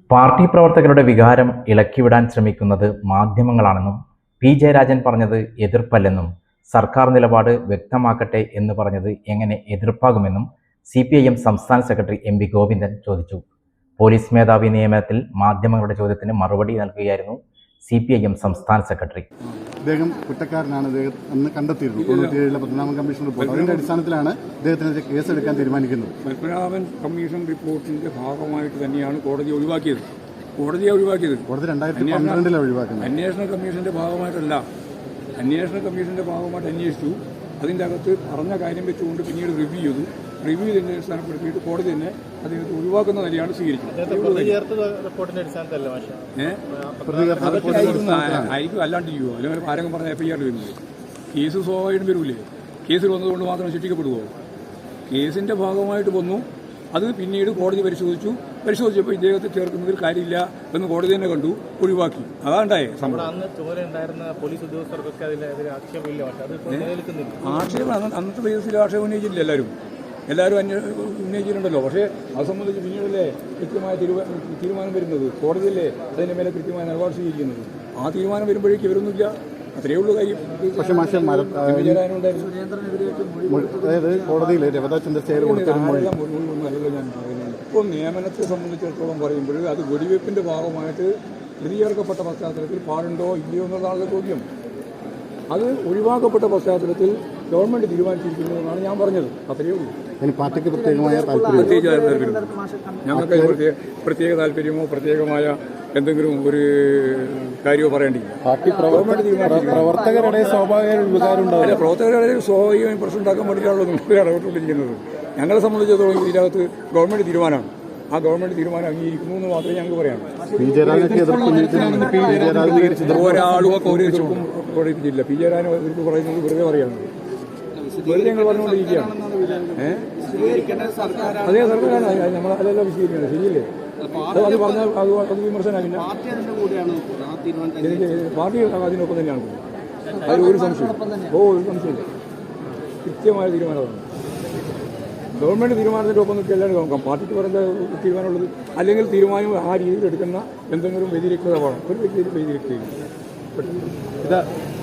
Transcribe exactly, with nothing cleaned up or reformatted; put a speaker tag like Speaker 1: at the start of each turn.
Speaker 1: Party പ്രവർത്തകരുടെ വികാരം ഇളക്കിവിടാൻ ശ്രമിക്കുന്നത് മാധ്യമങ്ങളാണെന്നും പി ജയരാജൻ പറഞ്ഞത് എതിർപ്പല്ലെന്നും സർക്കാർ നിലപാട് വ്യക്തമാക്കട്ടെ എന്ന് പറഞ്ഞത് എങ്ങനെ എതിർപ്പാകുമെന്നും സി പി ഐ എം സംസ്ഥാന സെക്രട്ടറി എം വി ഗോവിന്ദൻ ചോദിച്ചു. പോലീസ് മേധാവി നിയമനത്തിൽ മാധ്യമങ്ങളുടെ ചോദ്യത്തിന് മറുപടി നൽകുകയായിരുന്നു സി പി ഐ എം സംസ്ഥാന സെക്രട്ടറി.
Speaker 2: അദ്ദേഹം കുറ്റക്കാരനാണ്, അദ്ദേഹം അന്ന് കണ്ടെത്തിയിരുന്നു തൊണ്ണൂറ്റിയേഴിലെ പത്മനാഭൻ കമ്മീഷൻ റിപ്പോർട്ട്. അതിന്റെ അടിസ്ഥാനത്തിലാണ് അദ്ദേഹത്തിനെതിരെ കേസെടുക്കാൻ തീരുമാനിക്കുന്നത്.
Speaker 3: പത്മനാഭൻ കമ്മീഷൻ റിപ്പോർട്ടിന്റെ ഭാഗമായിട്ട് തന്നെയാണ് കോടതി ഒഴിവാക്കിയത്. കോടതിയെ ഒഴിവാക്കിയത്
Speaker 2: കോടതി രണ്ടായിരത്തി പന്ത്രണ്ടിലാണ് ഒഴിവാക്കുന്നത്.
Speaker 3: അന്വേഷണ കമ്മീഷന്റെ ഭാഗമായിട്ടല്ല, അന്വേഷണ കമ്മീഷന്റെ ഭാഗമായിട്ട് അന്വേഷിച്ചു. അതിൻ്റെ അകത്ത് പറഞ്ഞ കാര്യം വെച്ചുകൊണ്ട് പിന്നീട് റിവ്യൂ ചെയ്തു. റിവ്യൂ തന്നെ അടിസ്ഥാനപ്പെടുത്തിയിട്ട് കോടതി തന്നെ അദ്ദേഹത്തെ ഒഴിവാക്കുന്ന നിലയാണ് സ്വീകരിച്ചത്. ആയിരിക്കും, അല്ലാണ്ട് ചെയ്യുമോ? അല്ലെങ്കിൽ ആരെങ്കിലും പറഞ്ഞ എഫ് ഐ ആർ വരുന്നത് കേസ് സ്വാഭാവികം വരൂലേ? കേസിൽ വന്നതുകൊണ്ട് മാത്രം ശിക്ഷിക്കപ്പെടുമോ? കേസിന്റെ ഭാഗമായിട്ട് വന്നു, അത് പിന്നീട് കോടതി പരിശോധിച്ചു. പരിശോധിച്ചപ്പോൾ ഇദ്ദേഹത്തെ ചേർക്കുന്നതിൽ കാര്യമില്ല എന്ന് കോടതി തന്നെ കണ്ടു, ഒഴിവാക്കി. അതാണ്ടായേ സംഭവം. ആക്ഷേപം അന്നത്തെ ബേസിൽ ആക്ഷേപം ഉന്നയിച്ചില്ല. എല്ലാവരും എല്ലാവരും അന്വ ഉന്നയിച്ചിട്ടുണ്ടല്ലോ. പക്ഷേ അത് സംബന്ധിച്ച് പിന്നീടല്ലേ കൃത്യമായ തീരുമാനം വരുന്നത്. കോടതിയല്ലേ അതിൻ്റെ മേലെ കൃത്യമായ നിലപാട് സ്വീകരിക്കുന്നത്. ആ തീരുമാനം വരുമ്പോഴേക്കും ഇവരൊന്നുമില്ല. അത്രയേ ഉള്ളൂ കാര്യം.
Speaker 2: പക്ഷേ കോടതിയിൽ
Speaker 3: ഇപ്പോൾ നിയമനത്തെ സംബന്ധിച്ചിടത്തോളം പറയുമ്പോൾ അത് വെടിവെപ്പിന്റെ ഭാഗമായിട്ട് പ്രതിചേർക്കപ്പെട്ട പശ്ചാത്തലത്തിൽ പാടുണ്ടോ ഇല്ലയോ എന്നുള്ളതാണ് ചോദ്യം. അത് ഒഴിവാക്കപ്പെട്ട പശ്ചാത്തലത്തിൽ ഗവൺമെന്റ് തീരുമാനിച്ചിരിക്കുന്നതെന്നാണ് ഞാൻ പറഞ്ഞത്. അത്രയേ ഉള്ളൂ.
Speaker 2: പാർട്ടിക്ക് പ്രത്യേകമായ
Speaker 3: പ്രത്യേകിച്ച് താല്പര്യം ഞങ്ങൾക്ക് പ്രത്യേക താല്പര്യമോ പ്രത്യേകമായ എന്തെങ്കിലും ഒരു കാര്യമോ പറയേണ്ടില്ല. ഗവൺമെന്റ് തീരുമാനിച്ചിരിക്കുന്നത്
Speaker 2: പ്രവർത്തകരുടെ സ്വാഭാവിക വികാരമുണ്ടാവില്ല.
Speaker 3: പ്രവർത്തകരുടെ സ്വാഭാവികമായി പ്രശ്നം ഉണ്ടാക്കാൻ വേണ്ടിയിട്ടാണല്ലോ നിങ്ങൾ ഇടപെട്ടുകൊണ്ടിരിക്കുന്നത്. ഞങ്ങളെ സംബന്ധിച്ചിടത്തോളം ഇതിനകത്ത് ഗവൺമെന്റ് തീരുമാനമാണ്. ആ ഗവൺമെന്റ് തീരുമാനം അംഗീകരിക്കുന്നു എന്ന് മാത്രമേ ഞങ്ങൾക്ക് പറയാം. ഒരാളും ഒരു എതിർപ്പും പ്രകടിപ്പിച്ചില്ല. പി ജയരാജൻ എതിർപ്പ് പറയുന്നത് വെറുതെ പറയാണ്, വെറുതെ ഞങ്ങൾ പറഞ്ഞുകൊണ്ടിരിക്കുകയാണ്. ഏഹ് അതേ സർക്കാരാണ് നമ്മൾ അതെല്ലാം വിശദീകരിക്കുന്നത്. ശരിയല്ലേ? അത് പറഞ്ഞാൽ അത് അത് വിമർശനമാകില്ല. പാർട്ടി അതിനൊപ്പം തന്നെയാണ്. അതിൽ ഒരു സംശയം ഓ ഒരു സംശയമില്ല. കൃത്യമായ തീരുമാനമാണ്. ഗവൺമെന്റ് തീരുമാനത്തിൻ്റെ ഒപ്പം നിൽക്കുക എല്ലാവരും നോക്കാം. പാർട്ടിക്ക് പറയുന്ന തീരുമാനമുള്ളത് അല്ലെങ്കിൽ തീരുമാനം ആ രീതിയിൽ എടുക്കുന്ന എന്തെങ്കിലും വ്യതിരിക്തത വേണം. ഒരു വ്യക്തി വ്യതിരിക്തയില്ല.